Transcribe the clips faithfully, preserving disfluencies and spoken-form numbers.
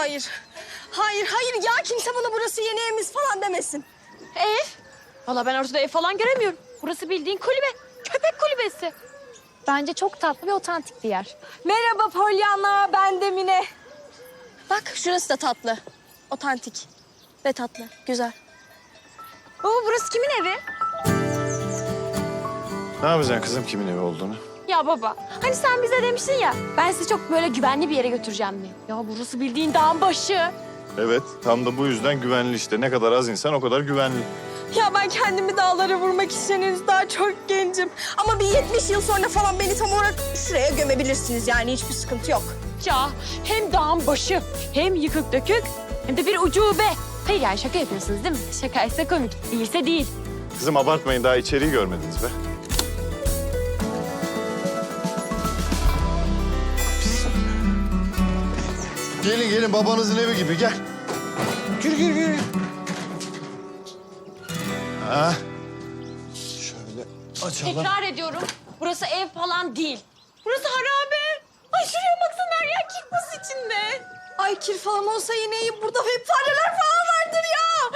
hayır. Hayır, hayır ya kimse bana burası yeni evimiz falan demesin. Ev? Valla ben ortada ev falan göremiyorum. Burası bildiğin kulübe. Köpek kulübesi. Bence çok tatlı ve otantik bir yer. Merhaba Pollyanna, ben de Mine. Bak şurası da tatlı. Otantik ve tatlı, güzel. Baba burası kimin evi? Ne yapacaksın kızım kimin evi olduğunu? Ya baba hani sen bize demiştin ya ben sizi çok böyle güvenli bir yere götüreceğim diye. Ya burası bildiğin dağın başı. Evet, tam da bu yüzden güvenli işte. Ne kadar az insan o kadar güvenli. Ya ben kendimi dağlara vurmak için henüz daha çok gencim. Ama bir yetmiş yıl sonra falan beni tam olarak şuraya gömebilirsiniz yani hiçbir sıkıntı yok. Ya hem dağın başı hem yıkık dökük hem de bir ucube. Hayır yani şaka yapıyorsunuz değil mi? Şakaysa komik, değilse değil. Kızım abartmayın, daha içeriği görmediniz be. Gelin gelin, babanızın evi gibi, gel. Gir gir gir. Ha. Şöyle açalım. Tekrar ediyorum. Burası ev falan değil. Burası harabe. Ay şuraya baksana her yer kickbox içinde. Ay kir falan olsa yine iyi. Burada hep fareler falan vardır ya.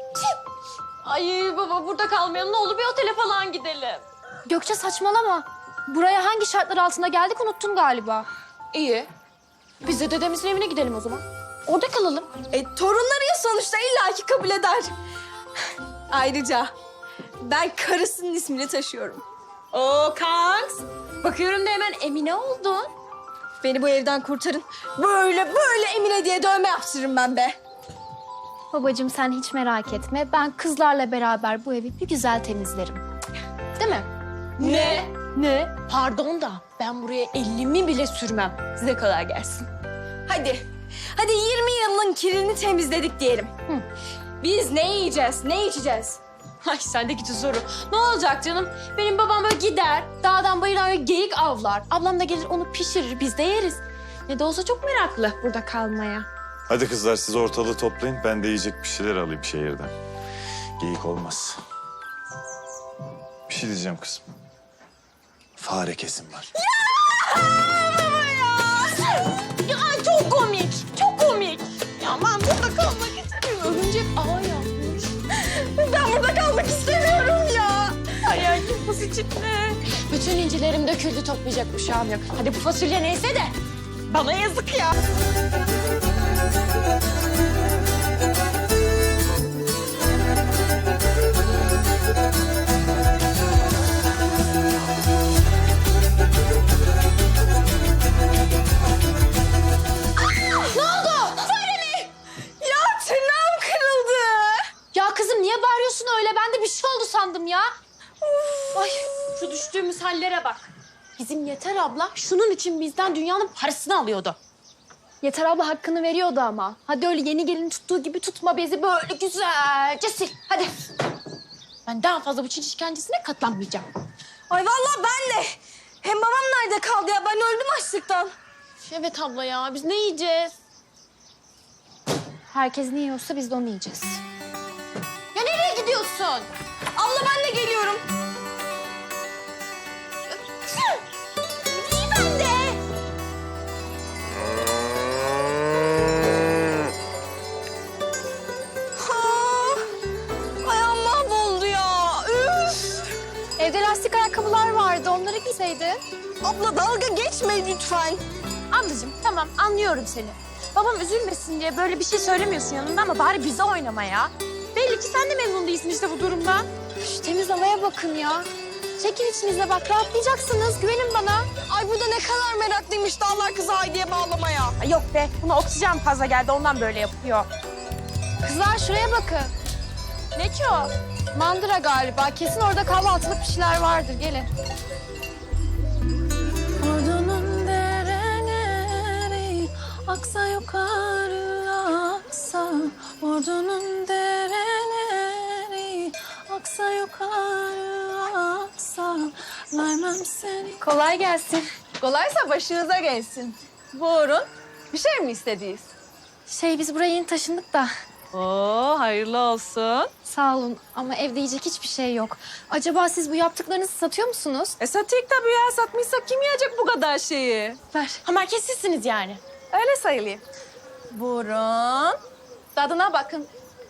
Ay baba burada kalmayalım. Ne olur bir otele falan gidelim. Gökçe saçmalama. Buraya hangi şartlar altında geldik unuttun galiba. İyi. Biz de dedemizin evine gidelim o zaman. Orada kalalım. E, torunları ya sonuçta illaki kabul eder. Ayrıca ben karısının ismini taşıyorum. Oo kanks. Bakıyorum da hemen Emine oldun. Beni bu evden kurtarın. Böyle böyle Emine diye dövme yaptırırım ben be. Babacığım sen hiç merak etme. Ben kızlarla beraber bu evi bir güzel temizlerim. Değil mi? Ne? Ne? Pardon da ben buraya elimi bile sürmem. Size kolay gelsin. Hadi. Hadi yirmi yılın kirini temizledik diyelim. Hı. Biz ne yiyeceğiz, ne içeceğiz? Ay sendeki soru. Ne olacak canım? Benim babam böyle gider, dağdan bayırdan böyle geyik avlar. Ablam da gelir onu pişirir, biz de yeriz. Ne de olsa çok meraklı burada kalmaya. Hadi kızlar, siz ortalığı toplayın. Ben de yiyecek bir şeyler alayım şehirden. Geyik olmaz. Bir şey diyeceğim kızım. Fare kesim var. Ya çok komik, çok komik. Ya ben burada kalmak istemiyorum. Örümcek ağ yapmış. Ben burada kalmak istemiyorum ya. Hayal kırpası içinde. Bütün incilerim döküldü, toplayacak uşağım yok. Hadi bu fasulye neyse de bana yazık ya. Ya tırnağım kırıldı. Ya kızım niye bağırıyorsun öyle? Ben de bir şey oldu sandım ya. Ay şu düştüğümüz hallere bak. Bizim Yeter abla şunun için bizden dünyanın parasını alıyordu. Yeter abla hakkını veriyordu ama. Hadi öyle yeni gelin tuttuğu gibi tutma bezi böyle güzelce sil. Hadi. Ben daha fazla bu Çin işkencesine katlanmayacağım. Ay vallahi ben de. Hem babam nerede kaldı ya? Ben öldüm açlıktan. Evet abla ya biz ne yiyeceğiz? Herkes ne yiyorsa biz de onu yiyeceğiz. Ya nereye gidiyorsun? Abla ben de geliyorum. İyi ben de. Ha, ayağım mahvoldu ya. Üf. Evde lastik ayakkabılar vardı. Onları giyseydi. Abla dalga geçme lütfen. Ablacığım tamam anlıyorum seni. Babam üzülmesin diye böyle bir şey söylemiyorsun yanında ama bari bize oynama ya. Belli ki sen de memnun değilsin işte bu durumdan. Şu temiz havaya bakın ya. Çekin içinize bak. Rahatlayacaksınız. Güvenin bana. Ay burada ne kadar meraklıymış dağlar kızı Haydi'ye bağlamaya. Ay yok be buna oksijen fazla geldi ondan böyle yapıyor. Kızlar şuraya bakın. Ne ki o? Mandıra galiba. Kesin orada kahvaltılık bir şeyler vardır. Gelin. Ordunun dereleri aksa yukarı aksa. Ordunun dereleri aksa yukarı aksa. Vermem seni. Kolay gelsin. Kolaysa başınıza gelsin. Buyurun. Bir şey mi istediniz? Şey biz buraya yeni taşındık da. Oo hayırlı olsun. Sağ olun ama evde yiyecek hiçbir şey yok. Acaba siz bu yaptıklarınızı satıyor musunuz? E satayım tabii ya. Satmışsak kim yiyecek bu kadar şeyi? Ver. Ha marketsizsiniz yani. Öyle sayılayım. Buyurun. Tadına bakın.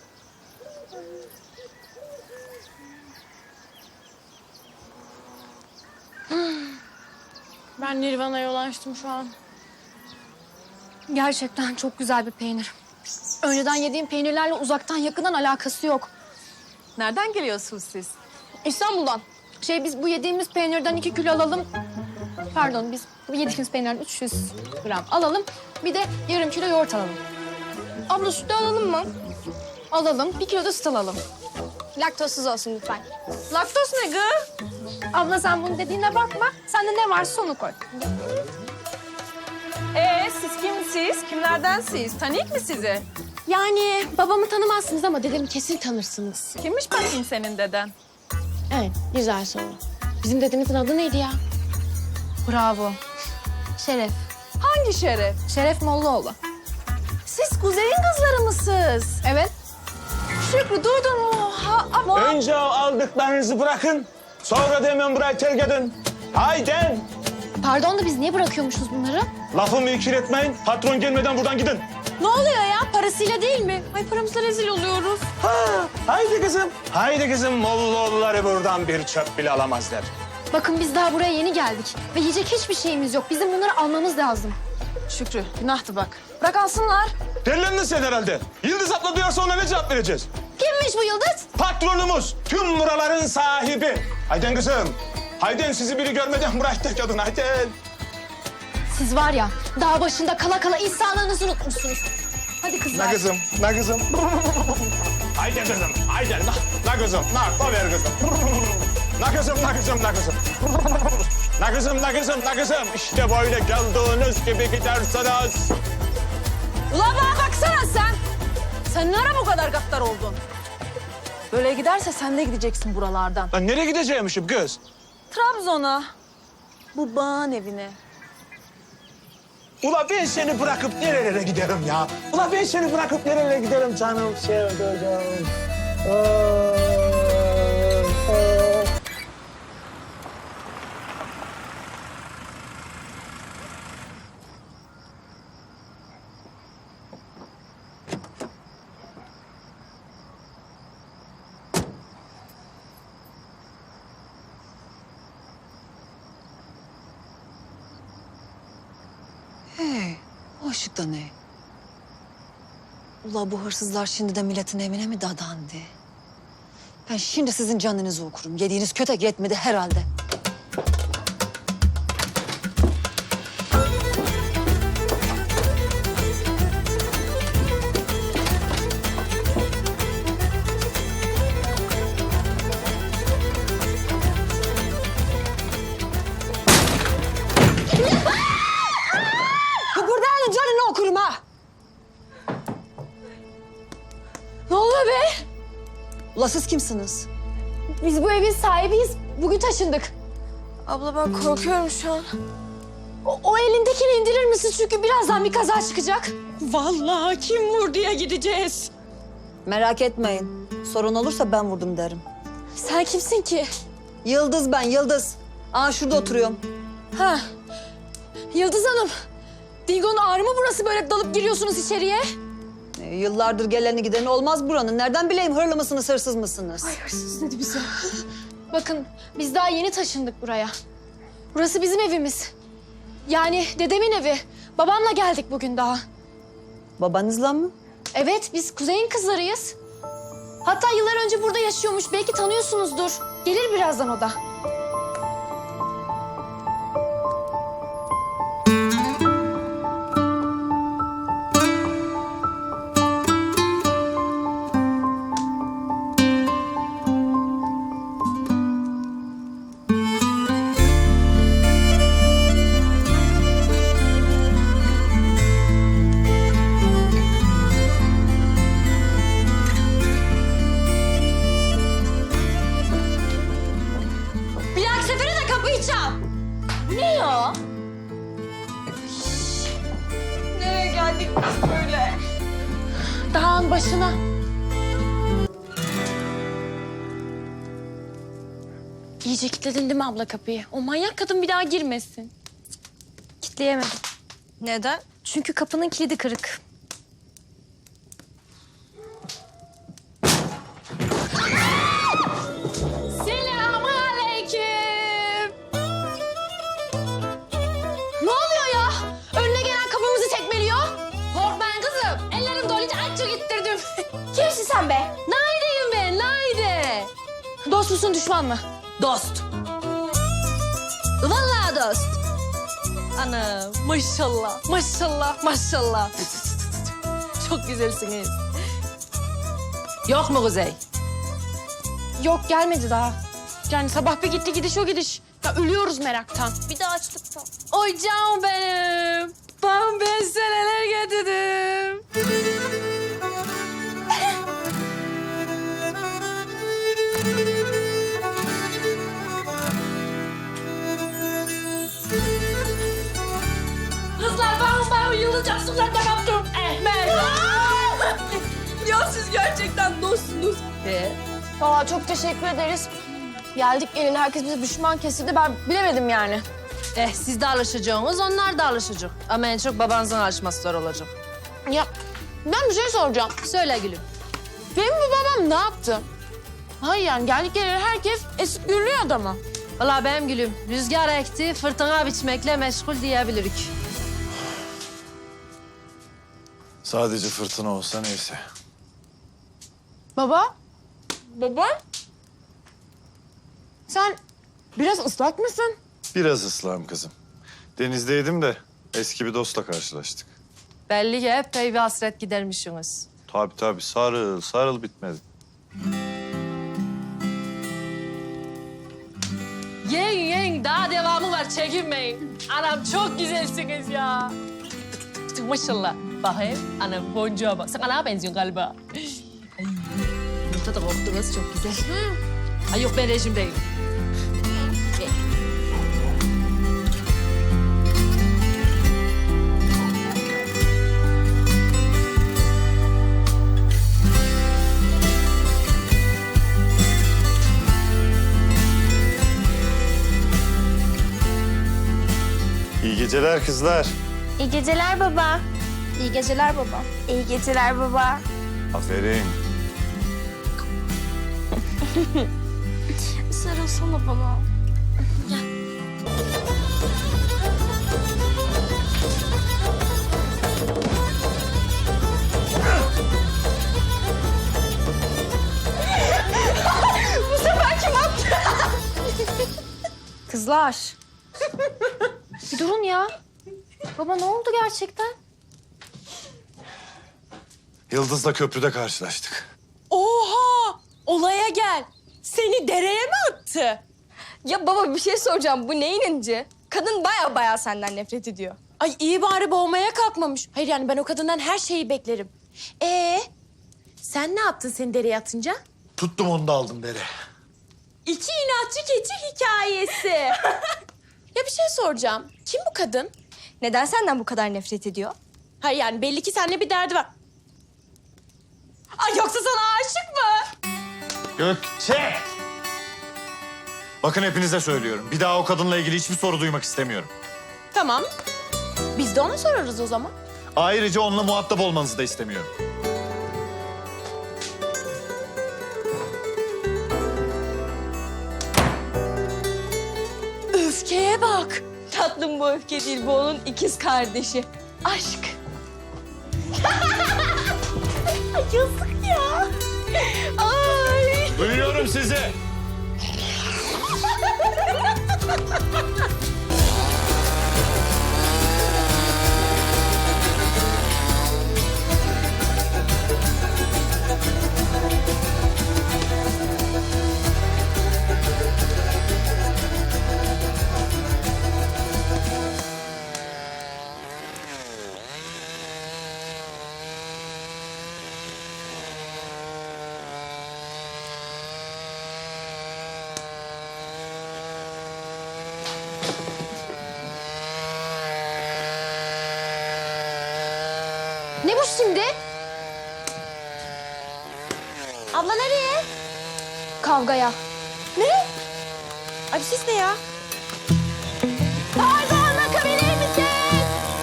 Ben Nirvana'ya ulaştım şu an. Gerçekten çok güzel bir peynir. Önceden yediğim peynirlerle uzaktan yakından alakası yok. Nereden geliyorsunuz siz? İstanbul'dan. Şey biz bu yediğimiz peynirden iki kilo alalım. Pardon biz bu yediğimiz peynirden üç yüz gram alalım. Bir de yarım kilo yoğurt alalım. Abla sütü alalım mı? Alalım. Bir kilo da süt alalım. Laktozsuz olsun lütfen. Laktoz ne gı? Abla sen bunun dediğine bakma. Sende ne varsa onu koy. Ee, siz kimsiniz? Kimlerden siz? Tanıyık mı sizi? Yani babamı tanımazsınız ama dedemi kesin tanırsınız. Kimmiş bakayım senin deden? Evet, güzel soru. Bizim dedemizin adı neydi ya? Bravo. Şeref. Hangi şeref? Şeref Mollaoğlu. Siz kuzeyin kızları mısınız? Evet. Şükrü duydun mu? Ha, ama... Önce o aldıklarınızı bırakın. Sonra da hemen burayı terk edin. Haydi. Pardon da biz niye bırakıyormuşuz bunları? Lafımı ikiletmeyin. Patron gelmeden buradan gidin. Ne oluyor ya? Parasıyla değil mi? Ay paramızla rezil oluyoruz. Ha, haydi kızım. Haydi kızım. Mollaoğulları buradan bir çöp bile alamazlar. Bakın biz daha buraya yeni geldik. Ve yiyecek hiçbir şeyimiz yok. Bizim bunları almamız lazım. Şükrü, günahtı bak. Bırak alsınlar. Deliliniz sen herhalde. Yıldız abla duyarsa ona ne cevap vereceğiz? Kimmiş bu Yıldız? Patronumuz. Tüm buraların sahibi. Haydi kızım. Haydi sizi biri görmeden burayı terk edin. Haydi. Siz var ya dağ başında kala kala insanlığınızı unutmuşsunuz. Hadi kızlar. Ne kızım, ne kızım? Haydi kızım, haydi. Ne, ne kızım, ne, ne ver kızım. Ne kızım, ne kızım, ne kızım. Ne kızım, ne kızım, ne kızım. İşte böyle geldiğiniz gibi gidersiniz. Ulan bana baksana sen. Sen ne ara bu kadar gaddar oldun? Böyle giderse sen de gideceksin buralardan. Lan nereye gideceğimişim kız? Trabzon'a. Bu bağın evine. Ula ben seni bırakıp nerelere giderim ya? Ula ben seni bırakıp nerelere giderim canım sevdiceğim. Hey, o ışık da ne? Ula bu hırsızlar şimdi de milletin evine mi dadandı? Ben şimdi sizin canınızı okurum. Yediğiniz kötek yetmedi herhalde. Kıpırdayanın canını okurum ha! Ne oluyor be? Ula siz kimsiniz? Biz bu evin sahibiyiz. Bugün taşındık. Abla ben korkuyorum şu an. O, o elindekini indirir misin? Çünkü birazdan bir kaza çıkacak. Vallahi kim vurduya gideceğiz. Merak etmeyin. Sorun olursa ben vurdum derim. Sen kimsin ki? Yıldız ben, Yıldız. Aa şurada oturuyorum. Ha. Yıldız Hanım. Dingo'nun ağrı mı burası böyle dalıp giriyorsunuz içeriye? Ee, yıllardır geleni gideni olmaz buranın. Nereden bileyim hırlı mısınız, hırsız mısınız? Hırsız dedi bize. Bakın biz daha yeni taşındık buraya. Burası bizim evimiz. Yani dedemin evi. Babamla geldik bugün daha. Babanızla mı? Evet biz kuzeyin kızlarıyız. Hatta yıllar önce burada yaşıyormuş. Belki tanıyorsunuzdur. Gelir birazdan o da. Bir dahaki sefere de kapıyı çal. Ne ya? Nereye geldik biz böyle? Dağın başına. İyice kilitledin değil mi abla kapıyı? O manyak kadın bir daha girmesin. Kitleyemedim. Neden? Çünkü kapının kilidi kırık. sen be? Naide'yim ben, Naide. Dost musun, düşman mı? Dost. Vallahi dost. Ana maşallah, maşallah, maşallah. Çok güzelsiniz. Yok mu Kuzey? Yok gelmedi daha. Yani sabah bir gitti gidiş o gidiş. Ya ölüyoruz meraktan. Bir daha açlıktan. Oy canım benim. Ben ben sana neler getirdim. Kızlar ben ben yılacaksınlar da yaptım. Ehmet. Ya siz gerçekten dostsunuz. Valla çok teşekkür ederiz. Geldik geleli herkes bize düşman kesildi. Ben bilemedim yani. Eh siz de alışacaksınız, onlar da alışacak. Ama en çok babanızın alışması zor olacak. Ya ben bir şey soracağım. Söyle gülüm. Benim bu babam ne yaptı? Hayır yani geldik geleli herkes esip gürlüyor adamı. Vallahi benim gülüm, rüzgar ekti, fırtına biçmekle meşgul diyebilirik. Sadece fırtına olsa neyse. Baba? Baba? Sen biraz ıslak mısın? Biraz ıslahım kızım. Denizdeydim de eski bir dostla karşılaştık. Belli ki epey bir hasret gidermişsiniz. Tabii tabii sarıl sarıl bitmedi. Yiyin yiyin, daha devamı var, çekinmeyin. Anam çok güzelsiniz ya. Maşallah. Bakayım, anam boncuğa bak. Sen anama benziyorsun galiba. Ay, burada da koktunuz, çok güzel. Ay yok, ben rejimdeyim. İyi geceler kızlar. İyi geceler baba. İyi geceler baba. İyi geceler baba. Aferin. Sarılsana bana. Bu sefer kim attı? Kızlar. Bir durun ya. Baba ne oldu gerçekten? Yıldız'la köprüde karşılaştık. Oha! Olaya gel. Seni dereye mi attı? Ya baba bir şey soracağım. Bu neyin inci? Kadın baya baya senden nefret ediyor. Ay iyi bari boğmaya kalkmamış. Hayır yani ben o kadından her şeyi beklerim. Ee, sen ne yaptın seni dereye atınca? Tuttum onu da aldım dere. İki inatçı keçi hikayesi. Ya bir şey soracağım. Kim bu kadın? Neden senden bu kadar nefret ediyor? Hayır yani belli ki seninle bir derdi var. Ay yoksa sana aşık mı? Gökçe! Bakın hepinize söylüyorum. Bir daha o kadınla ilgili hiçbir soru duymak istemiyorum. Tamam. Biz de ona sorarız o zaman. Ayrıca onunla muhatap olmanızı da istemiyorum. Öfkeye bak. Tatlım bu öfke değil. Bu onun ikiz kardeşi. Aşk. Yazık ya. Ay. Duyuyorum sizi. Ne bu şimdi? Abla nereye? Kavgaya. Abi siz ne ya? Pardon bakabilir misin?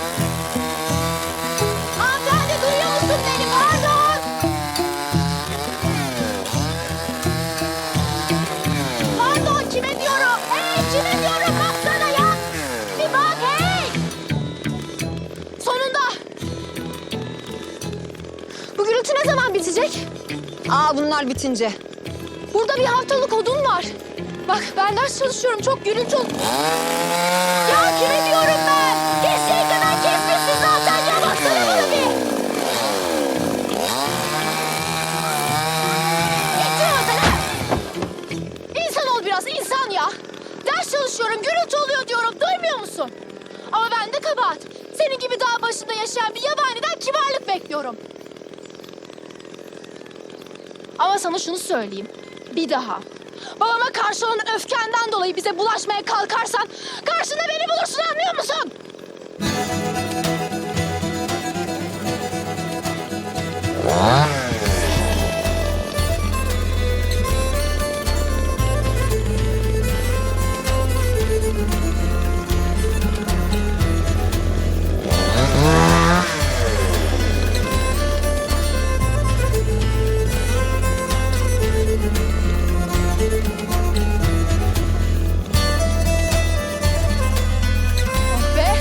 Hanımefendi duyuyor musun beni? Pardon. Pardon kime diyorum? Hey kime diyorum? Baksana ya. Bir bak hey. Sonunda. Bu gürültü ne zaman bitecek? Aa bunlar bitince. Burada bir haftalık odun var. Bak ben ders çalışıyorum. Çok gürültü ol... Ya kime diyorum ben? Keseceği kadar kesmişsin zaten ya. Baksana bana bir. Gittin oradan ha. İnsan ol biraz insan ya. Ders çalışıyorum. Gürültü oluyor diyorum. Duymuyor musun? Ama ben de kabahat. Senin gibi dağ başında yaşayan bir yabaniden kibarlık bekliyorum. Ama sana şunu söyleyeyim. Bir daha babama karşı olan öfkenden dolayı bize bulaşmaya kalkarsan karşında beni bulursun, anlıyor musun? Oh be.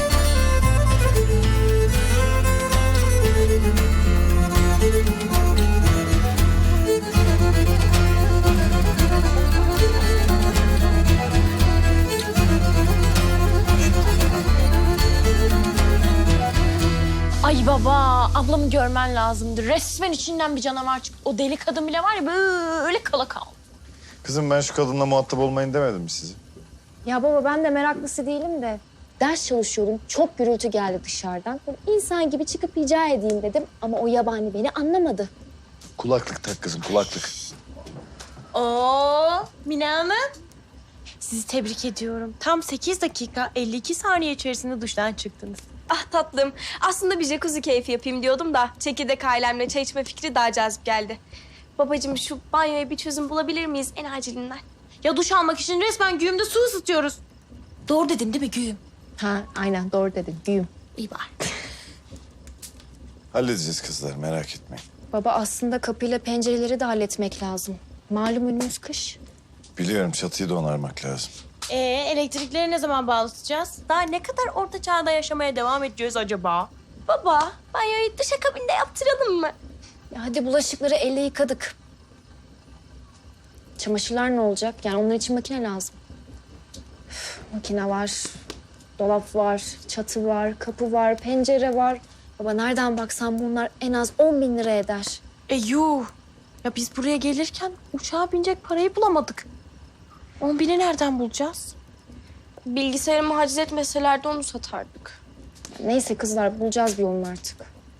Ay baba, ablamı görmen lazımdı. Resmen içinden bir canavar çıktı. O deli kadın bile var ya böyle kala kaldı. Kızım ben şu kadınla muhatap olmayın demedim mi size? Ya baba ben de meraklısı değilim de ders çalışıyordum. Çok gürültü geldi dışarıdan. Böyle insan gibi çıkıp rica edeyim dedim ama o yabani beni anlamadı. Kulaklık tak kızım, kulaklık. Oo, Mine Hanım. Sizi tebrik ediyorum. Tam sekiz dakika elli iki saniye içerisinde duştan çıktınız. Ah tatlım. Aslında bir jacuzzi keyfi yapayım diyordum da çekirdek ailemle çay içme fikri daha cazip geldi. Babacığım şu banyoya bir çözüm bulabilir miyiz en acilinden? Ya duş almak için resmen güğümde su ısıtıyoruz. Doğru dedim değil mi güğüm? Ha aynen doğru dedin. Güyüm. İyi bari. Halledeceğiz kızlar, merak etmeyin. Baba aslında kapıyla pencereleri de halletmek lazım. Malum önümüz kış. Biliyorum, çatıyı da onarmak lazım. Ee, elektrikleri ne zaman bağlatacağız? Daha ne kadar orta çağda yaşamaya devam edeceğiz acaba? Baba, banyoyu duşakabinde yaptıralım mı? Ya hadi bulaşıkları elle yıkadık. Çamaşırlar ne olacak? Yani onlar için makine lazım. Üf, makine var, dolap var, çatı var, kapı var, pencere var. Baba nereden baksan bunlar en az on bin lira eder. E yuh. Ya biz buraya gelirken uçağa binecek parayı bulamadık. On bini nereden bulacağız? Bilgisayarımı haciz etmeseler de onu satardık. Neyse kızlar bulacağız bir yolunu artık.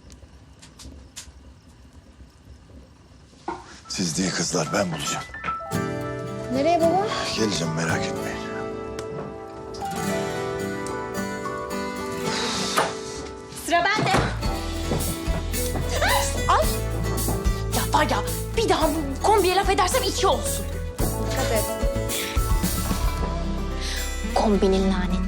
Siz değil kızlar, ben bulacağım. Nereye baba? Geleceğim, merak etmeyin. Sıra bende. Ay. Ya var ya bir daha bu kombiye laf edersem iki olsun. Dikkat et. Kombinin laneti.